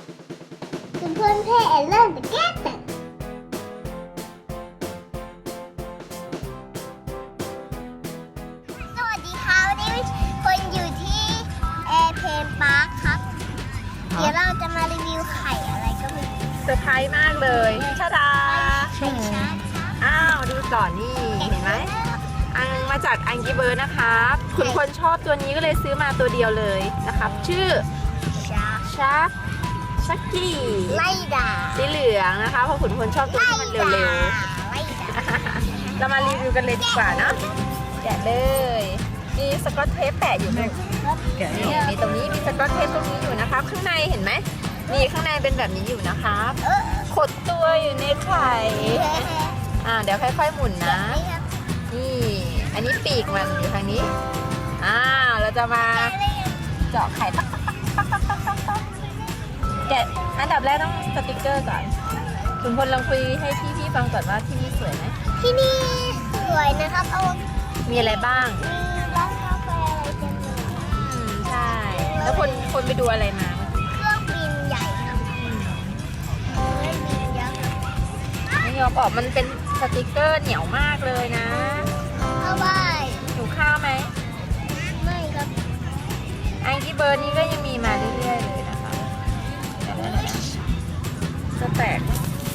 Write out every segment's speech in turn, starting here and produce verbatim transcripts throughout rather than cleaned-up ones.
คุณเพื่อนเพ่เริ่มจะแก้แต่สวัสดีค่ะวันนี้คนอยู่ที่แอร์เพนพาร์คครับ เดี๋ยวเราจะมารีวิวไข่อะไรก็ไม่รู้เซอร์ไพรส์มากเลยชาดาไข่ชาร์จครับอ้าวดูก่อนนี่เห็นไหมอังมาจากอังกี้เบิร์ดนะครับคุณคนชอบตัวนี้ก็เลยซื้อมาตัวเดียวเลยนะครับ ชื่อชาร์จชักชักกี้ไล่ด่าสีเหลืองนะคะเพราะขุนพลชอบตัวที่มันเร็วไล่ด่าๆ เรามารีวิวกันเลยดีกว่าเนาะแกะเลยมีสกอตเทปแปะอยู่ไหมนี่มีตรงนี้มีสกอตเทปตรงนี้อยู่นะครับข้างในเห็นไหมนี่ข้างในเป็นแบบนี้อยู่นะครับเออขดตัวอยู่ในไข่อ่าเดี๋ยวค่อยๆหมุนนะนี่ครับนี่ อันนี้ปีกมันอยู่ทางนี้ อ้าว เราจะมาเจาะไข่ตักตักตักตักตักตักตักแกะอันดับแรกต้องสติกเกอร์ก่อน คุณพลลองคุยให้พี่พี่ฟังก่อนว่าที่นี่สวยไหมที่นี่สวยนะครับเอามีอะไรบ้างมีร้านกาแฟอะไรเต็มเลยอืม ใช่ แล้วคนคนไปดูอะไรมาเครื่องบินใหญ่ครับอืมเครื่องบินยักษ์ครับไม่ยอมออกมันเป็นสติกเกอร์เหนียวมากเลยนะเข้าบ้านหิวข้าวไหมไม่ครับไอที่เบอร์นี้ก็ยังมีมาเรื่อยๆเลยนะคะจะแตก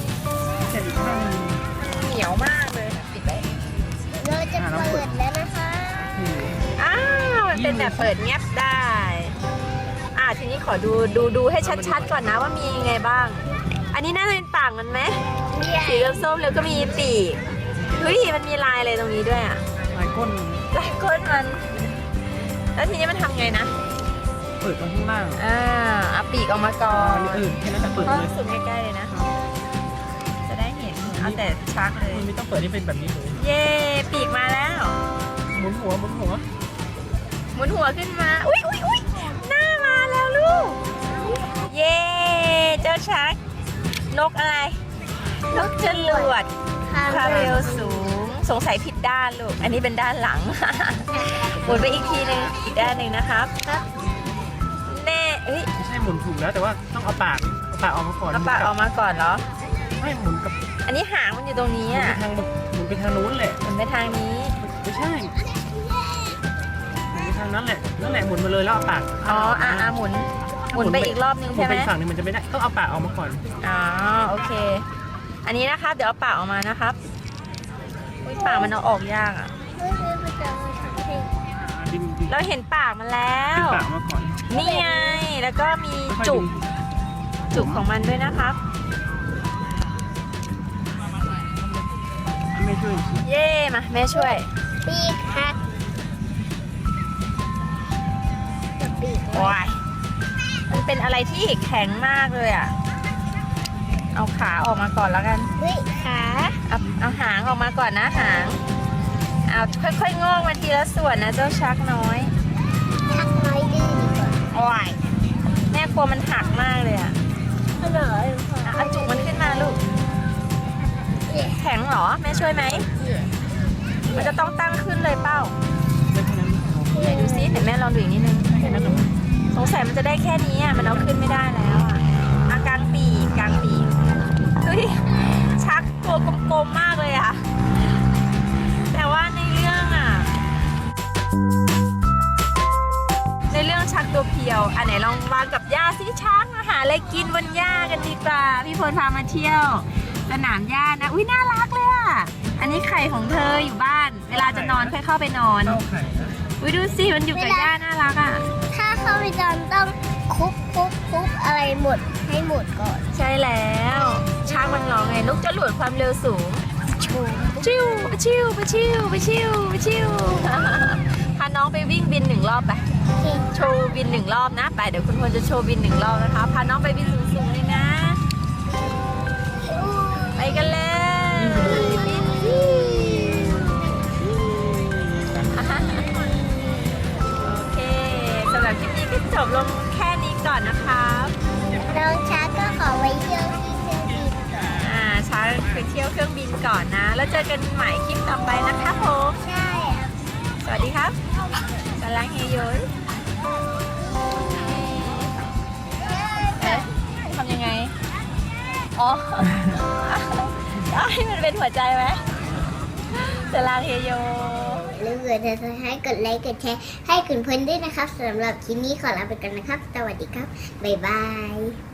เหนียวมากเลยนะปิดไปเราจะเปิดแล้วนะคะอ้าวมันเป็นแบบเปิดเงียบได้ อ่าทีนี้ขอดูดูดูให้ชัดๆก่อนนะว่ามียังไงบ้าง อันนี้น่าจะเป็นปากมันไหมสีส้มๆแล้วก็มีปีกเฮ้ยมันมีลายอะไรตรงนี้ด้วยอ่ะลายก้นลายก้นมัน แล้วทีนี้มันทำไงนะเปิดตรงข้างล่างอ่าเอาปีกออกมาก่ออันนนี้อื่นแค่นั้นแต่เปิดก็เลยสุดใกล้ๆเลยนะ จะได้เห็นเอาแต่ชักเลยมันไม่ต้องเปิดนี่เป็นแบบนี้เลยเย่ปีกมาแล้วหมุนหัวหมุนหัวหมุนหัวขึ้นมา อุ้ยอุ้ยอุ้ยหน้ามาแล้วลูก เย่เจ้าชัก นกอะไร นกจรวดคาเรลสูง สงสัยผิดด้านลูก อันนี้เป็นด้านหลัง หมุนไปอีกทีหนึงอีกด้านหนึ่งนะครับ แน่เอ้ยไม่ใช่หมุนถูกแล้วแต่ว่าต้องเอาปากเอาปากออกมาก่อนเอาปากออกมาก่อนเหรอไม่หมุนกับอันนี้หางมันอยู่ตรงนี้หมุนอ่ะไปทางหมุนไปทางนู้นแหละหมุนไปทางนี้ไม่ใช่หมุนไปทางนั้นแหละนั่นแหละหมุนมาเลยแล้วเอาปากอ๋ออ่ะอ่ะหมุน หมุนไปอีกรอบนึงหมุใช่นไหไปมอีกฝั่งหนึงมันจะไม่ได้ต้องเอาปากออกมาก่อนอ๋อโอเค อันนี้นะครับ เดี๋ยวเอาปากออกมานะครับอุ้ยปากมันเอาออกยากอ่ะดึงดึงเราเห็นปากมันแล้ดึงวปากออกมาก่อนนี่ไง แล้วก็มีค่อยๆจุกดึงจุกของมันด้วยนะครับไม่ช่วยเย่มาแม่ช่วยปีกหักปีกว้ายมันเป็นอะไรที่แข็งมากเลยอ่ะ เอาขาออกมาก่อนแล้วกันเฮ้ยขาเอาเอาหางออกมาก่อนนะหาง เอาค่อยๆงอกมาทีละส่วนนะเจ้าชักน้อยทักน้อยดื้อดีกว่าโอ้ยแม่กลัวมันหักมากเลยอ่ะอร่อยอ่ะเอาจุกมันขึ้นมาลูก แข็งเหรอ แม่ช่วยไหม มันจะต้องตั้งขึ้นเลยเป้าได้แค่นั้นไหนดูซิเดี๋ยวแม่ลองดูอีกนิดนึงแค่นั้นหรอสงสัยมันจะได้แค่นี้อ่ะ มันเอาขึ้นไม่ได้แล้วอ่ะอากลางปีกกลางปีกดูดิชักตัวกลมๆมากเลยอ่ะ แต่ว่าในเรื่องอ่ะ ในเรื่องชักตัวเพียว อันไหนลองวางกับหญ้าสิช้างมาหาอะไรกินบนหญ้ากันดีกว่า พี่พลพามาเที่ยวสนามหญ้านะ อุ้ยน่ารักเลยอ่ะ อันนี้ไข่ของเธออยู่บ้าน เวลาจะนอนค่อยเข้าไปนอนเข้าไข่นะอุ้ยดูสิมันอยู่กับหญ้าน่ารักอ่ะถ้าเข้าไปตอนต้องคุกคุกคุกอะไรหมดให้หมดก่อนใช่แล้วช้างมันร้องไงนกจะหลวดความเร็วสูงชูชิวไปชิวไปชิวไปชิวไปชิว พาน้องไปวิ่งบินหนึ่งรอบไปเก่งโชว์บินหนึ่งรอบนะไปเดี๋ยวคุณพลจะโชว์บินหนึ่งรอบนะคะพาน้องไปบินสูงๆเลยนะ ไปกันเลยบินโอเคสำหรับคลิปนี้ก็จบลงแค่นี้ก่อนนะครับน้องช้าก็ขอไว้เที่ยวที่เครื่องบินก่อนอ่าช้าไปเที่ยวเครื่องบินก่อนนะ แล้วเจอกันใหม่คลิปต่อไปนะคะผมใช่ครับสวัสดีครับกำลังเฮยโยนเอ๊ะทำอ๋อให้มันเป็นหัวใจไหมสลาเฮโยหรือเกิดจะให้กดไลค์กดแชร์ให้คุณเพื่อนด้วยนะครับสำหรับคลิปนี้ขอลาไปก่อนนะครับสวัสดีครับบ๊ายบาย